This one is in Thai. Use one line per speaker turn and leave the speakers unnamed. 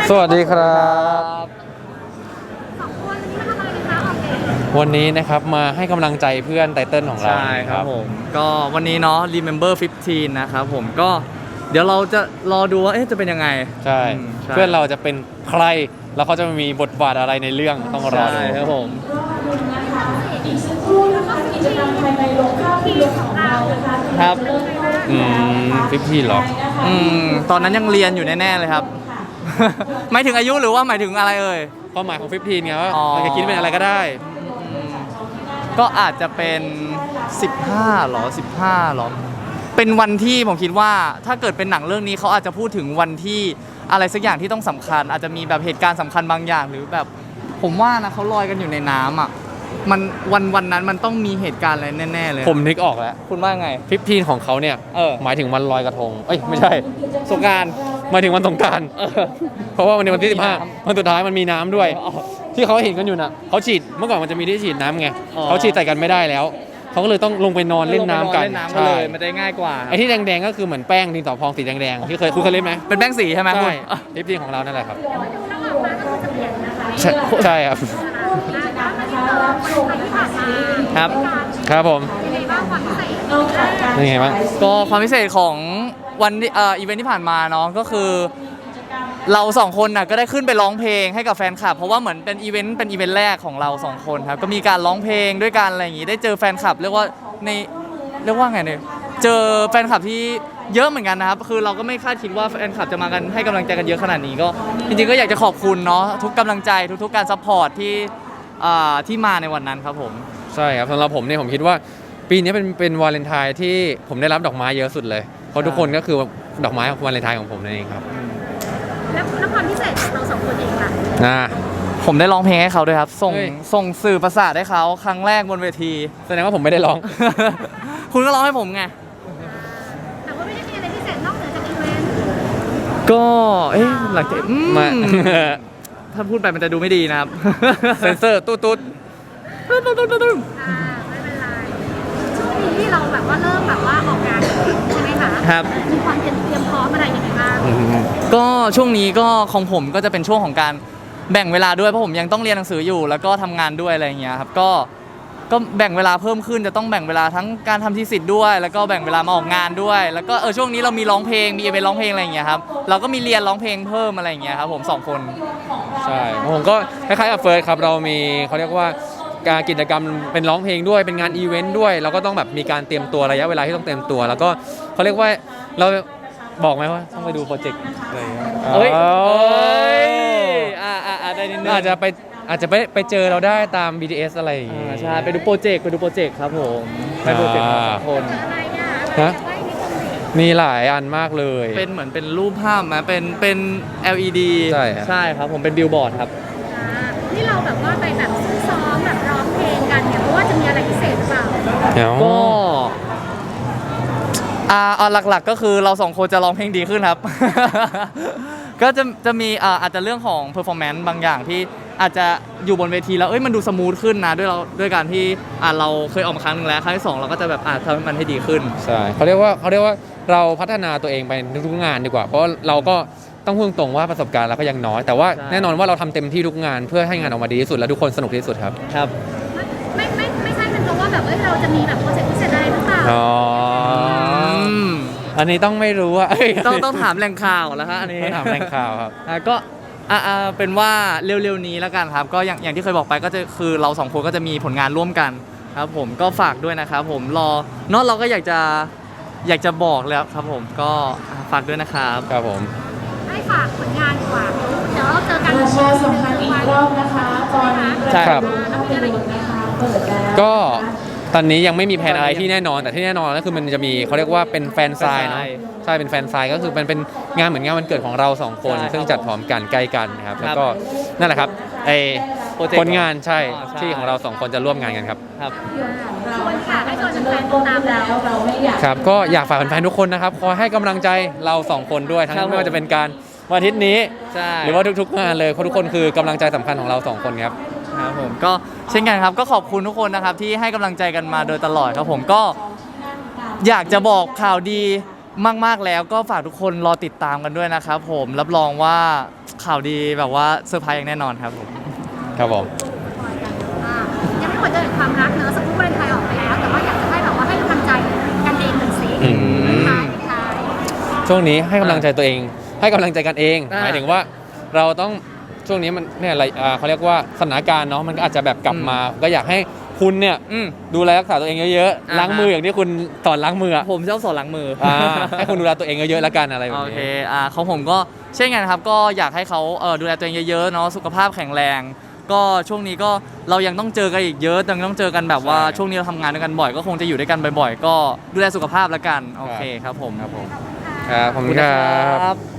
สวัสดีครับวันนี้นะครับมาให้กำลังใจเพื่อนไตเติ้ลของเรา
ใช่ครับผมก็วันนี้เนาะ Remember 15 นะครับผมก็เดี๋ยวเราจะรอดูว่าจะเป็นยังไง
ใช่เพื่อนเราจะเป็นใครแล้วเขาจะมีบทบาทอะไรในเรื่องต้องรอดู
ครับผม
อีกสักครู่นะคะกิจกรรมภายในโรงภาพยนตร์ของเรา
ครับ
15หรอ
ตอนนั้นยังเรียนอยู่แน่ๆเลยครับหมายถึงอายุหรือว่าหมายถึงอะไร
ความหมายของ15ไงว่าเราจะคิดเป็นอะไรก็ได้
ก็อาจจะเป็น15หรอ15หรอเป็นวันที่ผมคิดว่าถ้าเกิดเป็นหนังเรื่องนี้เขาอาจจะพูดถึงวันที่อะไรสักอย่างที่ต้องสำคัญอาจจะมีแบบเหตุการณ์สำคัญบางอย่างหรือแบบผมว่านะเขาลอยกันอยู่ในน้ำอ่ะมันวันนั้นมันต้องมีเหตุการณ์อะไรแน่ๆเลย
ผมนึกออกแล้ว
คุณว่าไง
15ของเขาเนี่ยหมายถึงวันลอยกระทงไม่ใช่
สงกรานต์
หมายถึงวันสงกรานต์เพราะว่าวันที่15วันสุดท้ายมันมีน้ำด้วยที่เขาเห็นกันอยู่น่ะเขาฉีดเมื่อก่อนมันจะมีที่ฉีดน้ำไงเขาฉีดใส่กันไม่ได้แล้วเขาก็เลยต้องลงไปนอนเล่นน้ำกัน
ใช่มันได้ง่ายกว่า
ไอ้ที่แดงๆก็คือเหมือนแป้งดินสอพองสีแดงๆที่คุณเคยเล่นไหม
เป็นแป้งสีใช่ไหม
ใช่15ของเรานั่นแหละครับใช่ครับ
ครับ
ครับผมยังไงบ้าง
ก็ความพิเศษของวันอีเวนท์ที่ผ่านมาเนาะก็คือเราสองคนน่ะก็ได้ขึ้นไปร้องเพลงให้กับแฟนคลับเพราะว่าเหมือนเป็นอีเวนต์แรกของเราสองคนครับก็มีการร้องเพลงด้วยกันอะไรอย่างงี้ได้เจอแฟนคลับเรียกว่าไงเนี่ยเจอแฟนคลับที่เยอะเหมือนกันนะครับคือเราก็ไม่คาดคิดว่าแฟนคลับจะมากันให้กำลังใจกันเยอะขนาดนี้ก็จริงๆก็อยากจะขอบคุณเนาะทุกกำลังใจทุกการซัพพอร์ตที่มาในวันนั้นครับผม
ใช่ครับสำหรับผมเนี่ยผมคิดว่าปีนี้เป็นวาเลนไทน์ที่ผมได้รับดอกไม้เยอะสุดเลยเพราะทุกคนก็คือดอกไม้ของวาเลนไทน์ของผมนั่นเองครับ
แล้วความพิเศษของเราสองคนเองล่ะ
ผมได้ร้องเพลงให้เขาด้วยครับส่งสื่อประสาทให้เขาครั้งแรกบนเวที
แสดงว่าผมไม่ได้ร้อง
คุณก็ร้องให้ผมไง
แต่ว่าไม่ได้มีอะไรพิเศษนอกเหนือจากอีเวนต์
ก็หลังจากถ้าพูดไปมันจะดูไม่ดีนะครับ
เซนเซอร์ตุ๊ด
ไม่เป็นไรช่วงนี้ที่เราแบบว่าเริ่มแบบว่าออกงานใช่ไหมคะ
ครับ
มีความเตรียมพร้อมอะไรยังไงบ้าง
ก็ช่วงนี้ก็ของผมก็จะเป็นช่วงของการแบ่งเวลาด้วยเพราะผมยังต้องเรียนหนังสืออยู่แล้วก็ทำงานด้วยอะไรอย่างเงี้ยครับก็แบ่งเวลาเพิ่มขึ้นจะต้องแบ่งเวลาทั้งการทำทีสิทธิ์ด้วยแล้วก็แบ่งเวลามาออกงานด้วยแล้วก็ช่วงนี้เรามีร้องเพลงมีอีเวนต์ร้องเพลงอะไรอย่างเงี้ยครับเราก็มีเรียนร้องเพลงเพิ่มอะไรอย่างเงี้ยครับผม2คน
ใช่ผมก็คล้ายๆกับเฟิร์สครับเรามีเขาเรียกว่าการกิจกรรมเป็นร้องเพลงด้วยเป็นงานอีเวนต์ด้วยเราก็ต้องแบบมีการเตรียมตัวระยะเวลาที่ต้องเตรียมตัวแล้วก็เขาเรียกว่าเราบอกไหมว่าต้องไปดูโปรเจกต์อะไร
ได้นิดนึง
อาจจะไปเจอเราได้ตาม BTS อะไรอย่างงี้
ใช่ไปดูโปรเจกต์ครับผมไปโปรเจกต์2คน
มีหลายอันมากเลย
เป็นเหมือนเป็นรูปภาพนะเป็น LED ใช่ครับผมเป็นบิลบอร์ดครับ
นี่เราแบบว่าไปแบบซ้อมแบบร้องเพลงกันเนี่ยเพราะว่าจะมีอะไรพิเศษหรือเปล่า
ก็หลักๆก็คือเราสองคนจะร้องเพลงดีขึ้นครับ ก็จะมีอาจจะเรื่องของ performance บางอย่างที่อาจจะอยู่บนเวทีแล้วมันดูสมูทขึ้นนะด้วยการที่เราเคยออกมาครั้งนึงแล้วครั้งที่2เราก็จะแบบทำให้มันให้ดีขึ้น
ใช่เขาเรียกว่าเราพัฒนาตัวเองไปทุกงานดีกว่าเพราะเราก็ต้องพูดตรงว่าประสบการณ์เราก็ยังน้อยแต่ว่าแน่นอนว่าเราทำเต็มที่ทุกงานเพื่อให้งานออกมาดีที่สุดและทุกคนสนุกที่สุดครับ
ไม่ใช่เป็นเพราะว่าแบบเราจะมีแบบโปรเจกต์พิเศษอะไรหรือเปล่า
อันนี้ต้องไม่รู้ว่า
ต้องถามแหล่งข่าวแล้วครับอันนี้
ถามแหล่งข่าวครับ
ก็เป็นว่าเร็วๆนี้แล้วกันครับก็อย่างที่เคยบอกไปก็จะคือเรา2คนก็จะมีผลงานร่วมกันครับผมก็ฝากด้วยนะครับผมเราก็อยากจะบอกแล้วครับผมก็ฝากด้วยนะครับ
ครับผม
ให้ฝากผลงานดีกว่าเดี๋ยวเราเจอกัน
ประชาสัมพันธ์อีกรอบนะคะตอนนี้ใช่ครับ
ก็ตอนนี้ยังไม่มีแผนอะไรที่แน่นอนแต่ที่แน่นอนก็คือมันจะมีเขาเรียกว่าเป็นแฟนไซน์เนาะใช่เป็นแฟนไซน์ก็คือเป็นงานเหมือนงานวันเกิดของเรา2คนซึ่งจัดพร้อมกันใกล้กันครับแล้วก็นั่นแหละครับผลงานใช่ที่ของเรา2คนจะร่วมงานกันครับ
ชวนค่ะให้ชวนแฟนๆติดตามแล้ว
ครับก็อยากฝากแฟนๆทุกคนนะครับคอยให้กำลังใจเรา2คนด้วยทั้งไม่ว่าจะเป็นการวันอาทิตย์นี้หรือว่าทุกๆงานเลยเพราะทุกคนคือกำลังใจสำคัญของเรา2คนครับ
ผมก็เช่นกันครับก็ขอบคุณทุกคนนะครับที่ให้กำลังใจกันมาโดยตลอดครับผมก็อยากจะบอกข่าวดีมากๆแล้วก็ฝากทุกคนรอติดตามกันด้วยนะครับผมรับรองว่าข่าวดีแบบว่าเซอร์ไพรส์อย่างแน่นอนครับผม
ครับผม
อ่ะยังไม่หมดเรื่องความรักเนอะสักครู่วาเลนไทน์ออกไปแล้ว แต่ว่าอยากจะให้แบบว่าให้กำลังใจกันเองหน่อยสิ
อืม
ท้ายท้าย
ช่วงนี้ให้กำลังใจตัวเอง ให้กำลังใจกันเอง
อ่า
หมายถึงว่าเราต้องช่วงนี้มันเนี่ยอะไรเขาเรียกว่าสถานการณ์เนาะมันก็อาจจะแบบกลับมา ก็อยากให้คุณเนี่ย
อืม
ดูแลรักษาตัวเองเยอะ
อ่าฮะ
ๆล้างมืออย่างที่คุณสอนล้างมืออะ
ผมชอบสอนล้างมือ
ให้คุณดูแลตัวเองเยอะๆแล้วกันอะไรแบบ
โอเค
นี้
ของผมก็เช่นกันครับ ก็อยากให้เขาดูแลตัวเองเยอะๆเนาะ สุขภาพแข็งแรง ก็ช่วงนี้ก็เรายังต้องเจอกันอีกเยอะยังต้องเจอกันแบบว่า
ใช่
ช่วงนี้เราทำงานด้วยกันบ่อย ก็คงจะอยู่ด้วยกันบ่อยๆ ก็ดูแลสุขภาพแล้วกัน โอเคครับผม
ครับผมครับขอบคุณครับ
ครับ